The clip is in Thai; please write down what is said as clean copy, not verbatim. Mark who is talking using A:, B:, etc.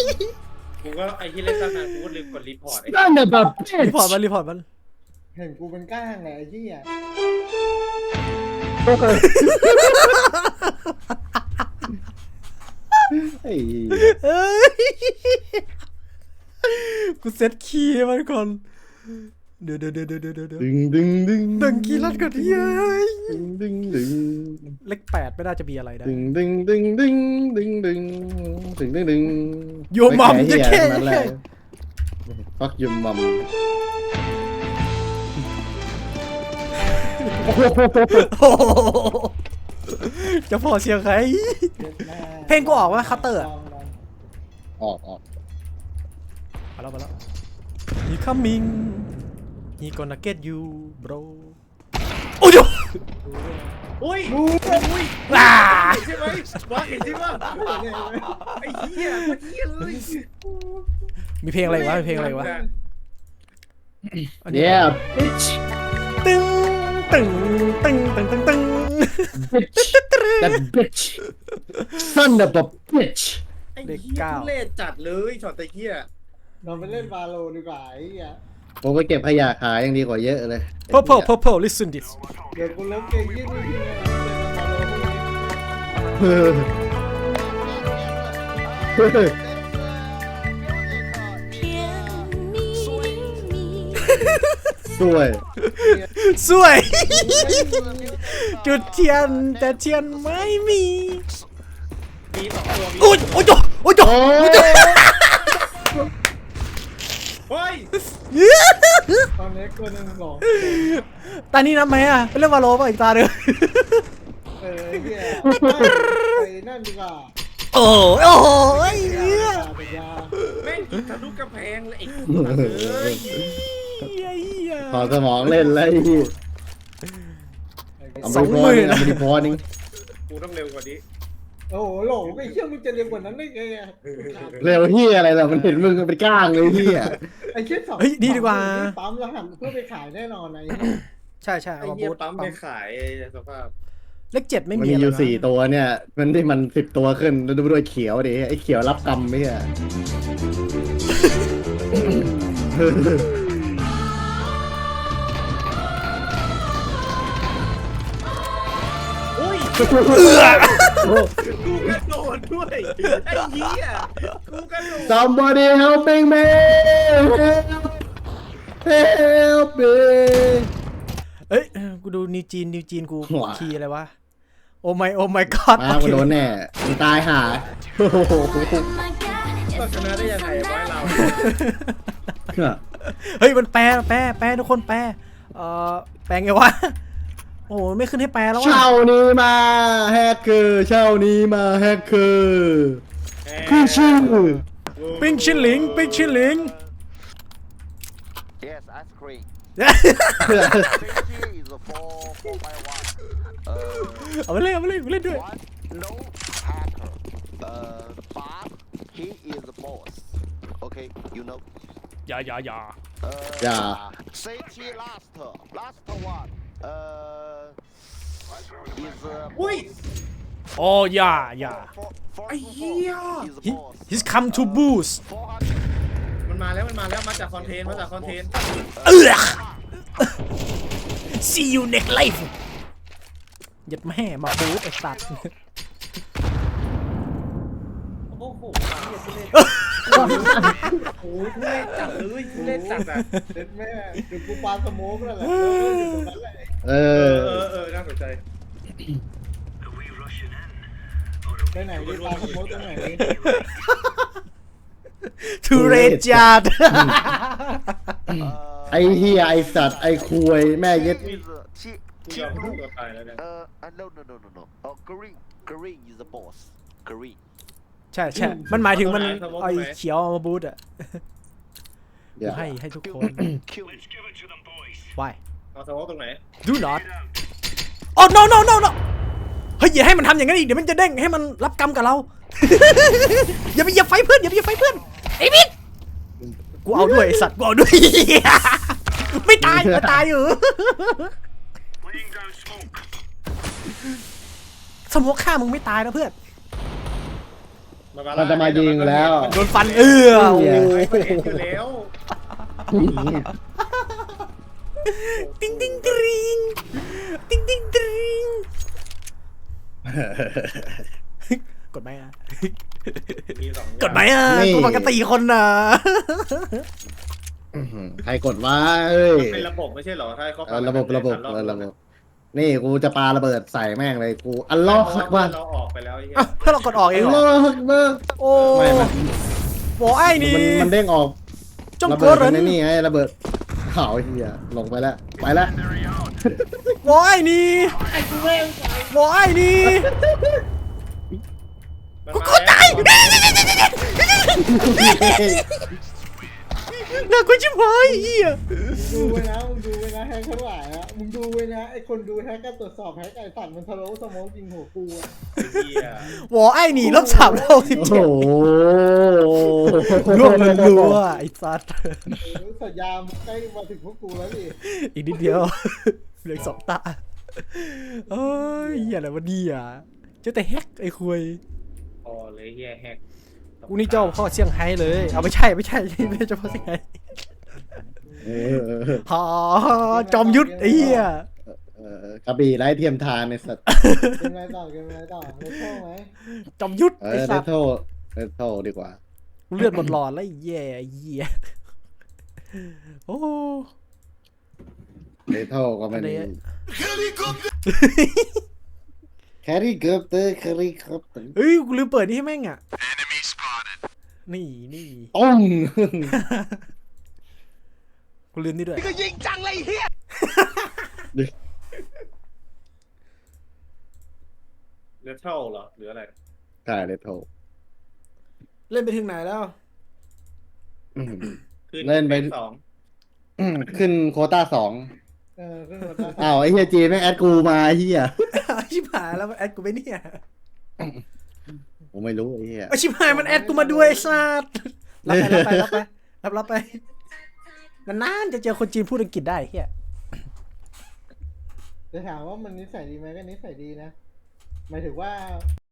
A: กูก็ไอ้ที่เล่นตั้งนานกูก็ลืมกดรีพอร์ตไอ้
B: นั่นน่ะแบบ
C: รีพอร์ตมันรีพอร์ตมัน
D: เห็นกูเป็นก้างไงไอ้เหี้ย
B: ไอ้
C: เอ้ยกูเซตคีย์มันก่อนเดี๋ยว
B: ดึงดึงดึง
C: ดึงคีย์ลัดก่อนดิเอ้ย
B: ดึงดึงดึง
C: เลข8ไม่น่าจะมีอะไรได้
B: ดึงดึงดึงดึงดึงดึงดึงดึงดึง
C: โยมัมจะแค่
B: นั่นแหละฟักยมมัม
C: โอ้โหจะพอเสียงใคร เพลงกูออกวะคัตเตอร์
B: ออก
C: มาแล้ว He coming He gonna get you bro โอ้ย
A: อุ้ย
C: ว้า
A: ใช่ไหมว่าเห็นใช่ไหมไอ้เหี้ยมันเหี้ยเลย
C: มีเพลงอะไรวะมีเพลงอะไรวะ
B: เนี่ย bitch
C: ตึ้งตึ้งตึ้งตึ้งตึ้งตึ้ง
B: bitch that bitch son of a bitch
A: ไอ้เหี้ยทุเล่จัดเลยช็อตตะเหี้ย
D: เราไปเล่นวาโลดีกว่าไอ้เหี้ย
B: ผมไปเก็บขยะขายยังดีกว่าเยอะเลย
C: Purple listen this
D: เดี๋ยวกูเลิกเกมยี่นี่ทีนะเล่นวาโลพวกนี้
B: เฮ้ยเฮ้ย สวย
C: สวย จุดเทียนแต่เทียนไม่มี
A: มีสองตัวมี
C: โอ้ยโอ้ยโอ้ย
B: โอ้ย
A: เฮ้ย
D: ตอนนี้ตัวหนึ่งหลง
C: ตานี้นับไหมอ่ะเป็นเรื่องวาโลป่ะอีกตาเดียว
D: ไอ้เหี้ยไปนั่นดีกว่า
C: โอ้ยโอ้ย
D: ไปยา
A: แม่งกินทะลุกำแพงเลยไอ้สัตว์เลย
B: ขอสมองเล่นเลยเอา
C: สอง
B: ไป
C: หมื่น
B: เอาไปพอนึง
A: กูต้องเร็วกว่านี้
D: โอ้โหหลงไอ้เหี้ยมึงจะเร็วกว่านั้นได้ไงอะ
B: เร็วเฮียอะไรล่ะมันเห็นมึงเป็นก้างเลยเฮีย
D: ไอ้เหี้ยสอง
C: เฮ้ยดีดีกว่า
D: ปั๊มแล้วหันเพื่อไปขายแน่นอนไอ้
C: ใช่เอา
A: ไอ้
C: มา
A: เหี้ย
C: บูท
A: ปั๊มไปขายสภาพ
C: เลข7ไม่
B: มัน
C: มี
B: มี
C: อะไร
B: อยู่
C: นะ
B: 4 ตัวเนี่ย มันที่มัน10 ตัวขึ้นแล้วดูด้วยเขียวดิไอ้เขียวรับกรรมไม่ใช่
A: อุ้ย
B: เออ
A: กูกระโดดด้วยไอ้เหี้ยกูกระโดด
B: somebody helping me help me
C: เอ้ยกูดูนิวจีนกู
B: หัว
C: คีย์อะไรวะโอ้ไม่ก็อด
B: มามันโดนแน่มันตายหาโอ้โห
A: ก็ชนะได้ยังไงวะเรา
C: เฮ้ยมันแปลทุกคนแปลแปลไงวะโอ้โหไม่ขึ้นให้แปลแล้ววะ
B: เช่านี้มาแฮกเกอร์เช่านี้มาแฮกเกอร์คือชื่อ
C: ปิ้งชิ้นหลิง
E: Yes, ice cream.
C: เอา
E: Safety is a 4x1.
C: ไปเล่นด้วย
E: One, no hacker. But he is the boss. Okay, you know.
C: อย่า
B: Yeah.
E: Safety last one. Is
A: อุ้ย
C: โอ้อย่า
E: for
A: ไอ้เหี้ย
E: is the
C: He,
E: boss.
C: he's come to boost
E: 400.
A: มันมาแล้วมาจากคอนเทนต์
C: see you next life ยัดแม่มาบูทไอ้สัตว์
A: โอ้โหโอ้ทุเล่จัดเลยทุเล่จัดอ่ะ
D: เด็ดแม่เดี๋ยวกูปาสโมกแล้วแหละอยู่ตรงนั้นแหละ
B: เอ
A: เอ
B: อ
A: อน่าสนใจ
D: ไปไหนดีปาสโมกตรงไหนดี
C: ทุเรศจัด
B: ไอ้เฮียไอ้สัตว์ไอ้คุยแม่เย็ด
E: Is she
A: กูยอมพูดตัวตายแล้วเนี่ย
E: no. Green is the boss. Green.
C: ใช่มันหมายถึงมันไอ้เขียวเอามาบูทอ่ะ
B: อย่า
C: ให้ทุกคน
E: Kill.
C: why
A: เอาสวอปตรงไหน
C: do not oh no เฮ้ยอย่าให้มันทำอย่างนั้นอีกเดี๋ยวมันจะเด้งให้มันรับกรรมกับเรา อย่าไฟเพื่อนไอ้บิ๊กกูเอาด้วยไอ้สัตว์กูเอาด้วย ไม่ตายอยู่ สมมติฆ่ามึงไม่ตายนะเพื่อน
B: มันจะมายิงแล้ว
C: โดนฟันโอ้
A: ไม่เห็นอยู่แล้ว
C: ติ้งติ้งตริงติ้งติ้งตริงกดไหมอ่ะ
A: มีสอง
C: กดไหมอ่ะกูปกติคนน่ะ
B: ใครกดว่าเอ้ย
A: เป็นระบบไม่ใช่เหรอถ้าเขา
B: ระบบนี่กูจะปาระเบิดใส่แม่งเลยกูอัลลอฮ์ฮักบัร
A: เราออกไปแล้วไอ้เหี้ย
C: อ่ะเพื่อเรากดออกเอ
B: อั
C: ง
B: ล
C: เหร
B: ลอ
C: อ
B: ฮ์ฮักบัร
C: โอ้
B: ไม่
C: โหไอ้นี่
B: มันเด้งออก
C: จง
B: ระ
C: ก
B: เบิ
C: ด
B: ด
C: เหรอ
B: ในนี่ไงระเบิดเผาเฮียลงไปแล้วไปแล้ว
C: โว้ยนี่โว้ยนี่
A: กูเข้าใจ
C: น่ากลัวชิบหายเหี้ย
D: ดูไว้นะมึงดูไว้นะแฮกทั้งหลายนะมึงดูไว้นะไอคนดูแฮกก็ตรวจสอบแฮกไอสัตว์มันทะลุสมองจริงหัวกูอะ
C: โว้ยนี่ลบ317
B: โอ้โห
C: ร่วงมันรัวไอ้สัตว์
D: สัญญาณใกล้มาถึงพวกกูแล้วดิ
C: อีกนิดเดียวเหลือสองตาเอ้ยเหี้ยอะไรวะเนี่ยเจ้าแต่แฮกไอ้คุย
A: พอเลยเฮียแฮก
C: กูนี่เจ้าพ่อเซี่ยงไฮ้เลยเอาไม่ใช่ไม่ใช่เจ้าพ่อเซี่ยงไฮ้ ฮาจอมยุทธไอ้เหี้ย
B: กระบี่ไร้เทียมทานในสัตว์
D: เกมอะไรต่อเกมอะไรต่อเล่นเข้าไหม
C: จอมยุทธ
B: เอ
C: ไอ้
B: อ
C: สั
B: เล
C: ตว์
B: โทเลโทดีกว่า
C: เลือดหมดหลอดแล้วไอ้แย่ไอ้เหี้ยโอ้
B: เลโทก็ไม่มี
C: อันนี้
B: แครี่คอปเตอร์แครี่คอปเตอร์
C: เฮ้ยกูลืมเปิดนี่ให้แม่งอ่ะนี่
B: ต้อง
C: กูลืมนี่ด้วย
A: เลือดเท่าเหรอหรืออะไร
B: ใช่เลโท
C: เล่นไปถึงไหนแล้ว
A: คือ
B: เล่นไป
A: สอง
B: ขึ้นโควต้า2
D: ขึ้นมาได้
B: อ้าวไอ้เฮียจีแม่งแอดกูมาไอ้เฮีย
C: ชิบหายแล้วมันแอดกูไปเนี่ย
B: ผมไม่รู้ไอ้เฮีย
C: ชิบหายมันแอดกูมาด้วยไอ้สัตว์รับไปนานๆจะเจอคนจีนพูดอังกฤษได้เฮีย
D: จะถามว่ามันนิสัยดีไหมก็นิสัยดีนะหมายถึงว่า